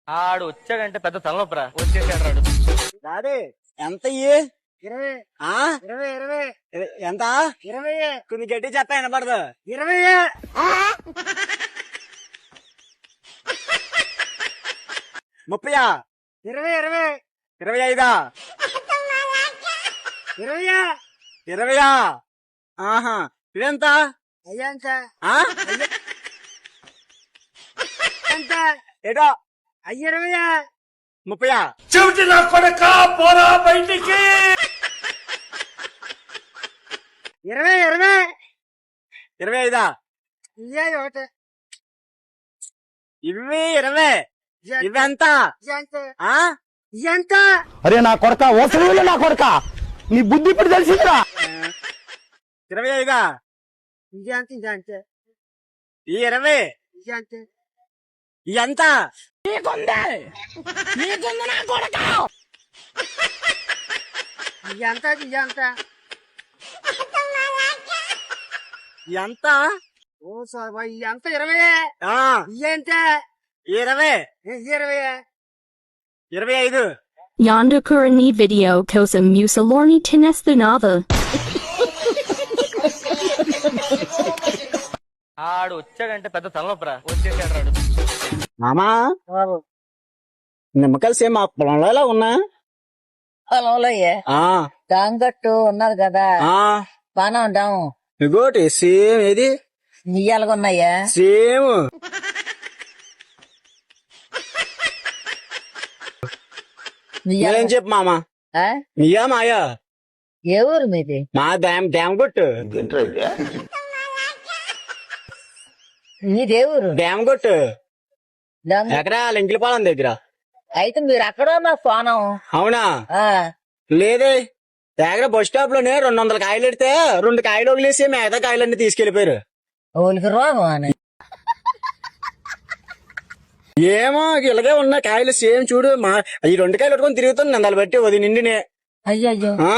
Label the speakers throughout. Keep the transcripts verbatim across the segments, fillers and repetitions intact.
Speaker 1: ఆడు వచ్చాడంటే పెద్ద తలనొప్పరా. వచ్చేసాడు రాడు.
Speaker 2: రాదే ఎంత ఇయ్యి?
Speaker 3: ఇరవై
Speaker 2: ఆ
Speaker 3: ఇరవై ఇరవై
Speaker 2: ఇర- ఎంత
Speaker 3: ఇరవై
Speaker 2: కొన్ని గట్టి చెత్త వినపడదు.
Speaker 3: ఇరవై
Speaker 2: ముప్పయా
Speaker 3: ఇరవై ఇరవై
Speaker 2: ఇరవై ఐదా
Speaker 3: ఇరవై
Speaker 2: ఇరవయా ఆహా ఇదెంత
Speaker 3: అయ్యా ఎంత
Speaker 2: ఆ
Speaker 3: ఎంత
Speaker 2: ఏటో
Speaker 3: అయ్యి ఇరవై
Speaker 2: ముప్పయా
Speaker 1: చెవిటి నా కొడక పోరా బయటికి.
Speaker 3: ఇరవై ఇరవై
Speaker 2: ఇరవై ఐదా
Speaker 3: ఇయ్యా ఒకటి
Speaker 2: ఇవి ఇరవై ఇవి ఎంత
Speaker 3: ఎంత
Speaker 2: ఆ
Speaker 3: ఎంత
Speaker 4: అరే నా కొడక ఓసలి నా కొడక నీ బుద్ధి ఇప్పుడు తెలిసిందిరా.
Speaker 2: ఇరవై ఐదా
Speaker 3: ఇదంత ఇదంత
Speaker 2: ఈ ఇరవై
Speaker 3: ఇదంత
Speaker 2: ఎంత
Speaker 3: ఇదంత ఇదంత
Speaker 2: ఎంత
Speaker 3: ఓ సార్ ఎంత ఇరవై
Speaker 2: ఆ
Speaker 3: ఇయ్యంత
Speaker 2: ఇరవై
Speaker 3: ఇరవై
Speaker 2: ఇరవై ఐదు
Speaker 5: Yonder Kurani video కోసం musalorni tinestanava.
Speaker 1: ఆడు వచ్చాడంటే పెద్ద తలనొప్పరా. వచ్చేసాడు రాడు.
Speaker 2: మామా నిమ్మకాయలు సేమ్ మా పొలంలో ఎలా ఉన్నా
Speaker 6: పొలంలో
Speaker 2: ఆ
Speaker 6: డాంగట్టు ఉన్నది కదా
Speaker 2: ఆ
Speaker 6: బాగా ఉంటాము
Speaker 2: ఇగోటి సేమ్ ఏది
Speaker 6: నియ్యాలుగా ఉన్నాయా
Speaker 2: సేమ్
Speaker 6: నియ్యాలు
Speaker 2: ఏం చెప్పు మామా
Speaker 6: ఆ?
Speaker 2: నీయా మాయా
Speaker 6: ఏ ఊరు మీది
Speaker 2: మా డ్యామ్ డ్యామ్ కొట్టు
Speaker 6: మీదే ఊరు
Speaker 2: డ్యామ్ కొట్టు
Speaker 6: డాంగ-
Speaker 2: ఎక్కడ లింకిలపాలెం దగ్గర
Speaker 6: అయితే మీరు అక్కడ మా ఫోనం
Speaker 2: అవునా
Speaker 6: ఆ,
Speaker 2: లేదే దగ్గర బస్ స్టాప్ లోనే రెండు వందల కాయలు పెడితే రెండు కాయలు వదిలేసి మిగతా కాయలన్నీ తీసుకెళ్లిపోయారు.
Speaker 6: ఊరికి రోగం అని
Speaker 2: ఏమో ఇలాగే ఉన్న కాయలు సేమ్ చూడు మా ఈ రెండు కాయలు పట్టుకొని తిరుగుతుంది నందాలు బట్టి వది నిండినే
Speaker 6: అయ్యయ్యో
Speaker 2: ఆ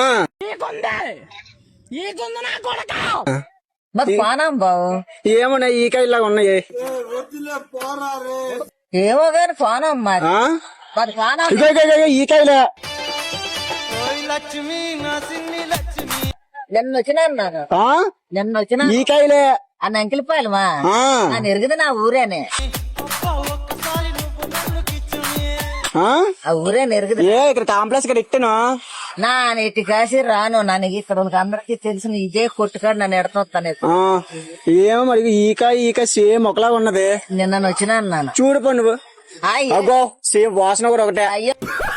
Speaker 6: మాకు ఫోనం బావు
Speaker 2: ఏమున్నాయి ఈ కాయలాగా ఉన్నాయి
Speaker 6: ఏమో గాని ఫోనం మాది
Speaker 2: ఆ
Speaker 6: మాది ఫోనం
Speaker 2: ఇగో ఇగో ఇగో ఈ కాయలే
Speaker 6: నిన్న వచ్చినా నాకు
Speaker 2: ఆ
Speaker 6: నిన్న వచ్చినా
Speaker 2: ఈ కాయలే
Speaker 6: ఆ నంకిలిపాయలమా
Speaker 2: ఆ
Speaker 6: నేను ఎరుగుది నా ఊరేనే
Speaker 2: ఆ?
Speaker 6: ఆ ఊరే ఎరుగుది
Speaker 2: ఏ ఇక్కడ కాంప్లెక్స్ ఇక్కడ ఇట్టను
Speaker 6: నా నెట్టి కాసి రాను నన్ను ఇక్కడ వాళ్ళకి అందరికి తెలిసిన ఇదే కొట్టుకాడు నన్ను ఎడతాను
Speaker 2: ఆ ఏమో మరి ఈ కాయ ఈ కాయ సేమ్ ఒకలాగా ఉన్నది.
Speaker 6: నిన్న వచ్చినా అన్నాను
Speaker 2: చూడు పో నువ్వు
Speaker 6: అయ్యో
Speaker 2: అగో సేమ్ వాసన కూడా ఒకటే.
Speaker 6: అయ్యో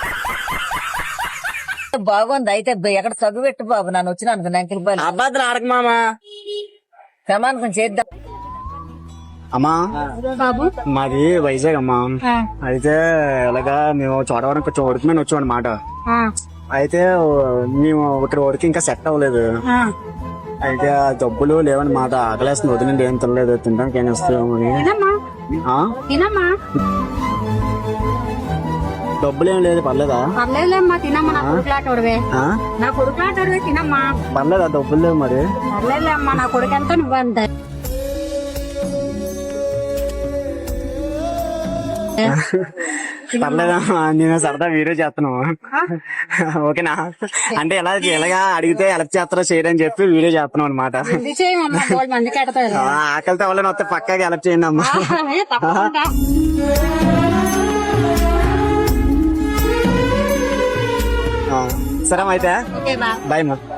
Speaker 6: బాగుంది అయితే ఎక్కడ సగ్గు పెట్టు బాబు నన్ను వచ్చిన అనుకో నంకిలిపాయలు
Speaker 2: అబ్బాద్దులు ఆడక మామా
Speaker 6: ప్రమాణకం చేద్దాం
Speaker 2: అమ్మా మాది వైజాగ్ అమ్మా. అయితే ఇలాగా మేము చోడవరం చోటుకు మేము వచ్చాం అనమాట. అయితే మేము ఇక్కడ వరకు ఇంకా సెట్ అవ్వలేదు. అయితే ఆ డబ్బులు లేవని మాట ఆకలేస్తుంది వదిలిండి ఏం తినలేదు తినడానికి ఏం వస్తాము డబ్బులు ఏం లేదు పర్లేదా
Speaker 7: పర్లేదులేమ్మా తినమ్మా నా కొడుకులాటోడివే
Speaker 2: ఆ?
Speaker 7: నా కొడుకులాటోడివే తినమ్మా
Speaker 2: పర్లేదా డబ్బులు లేవు మరి
Speaker 7: పర్లేదులేమ్మా నా కొడుకు ఎంత నువ్వంత
Speaker 2: పర్లేదా నేను సరదా వీడియో చేస్తున్నాము ఓకేనా అంటే ఎలా ఎలాగా అడిగితే ఎలా చేస్తారో చేయడని చెప్పి వీడియో చేస్తున్నాం అనమాట.
Speaker 7: ఇది చేయమమ్మా మూడు మందికి ఎడతారు
Speaker 2: ఆకలితో వాళ్ళని వస్తే పక్కాగా హెల్ప్ చేయండి అమ్మా.
Speaker 7: తప్పకుండా
Speaker 2: సరే అయితే
Speaker 7: ఓకే బా
Speaker 2: బాయ్ మా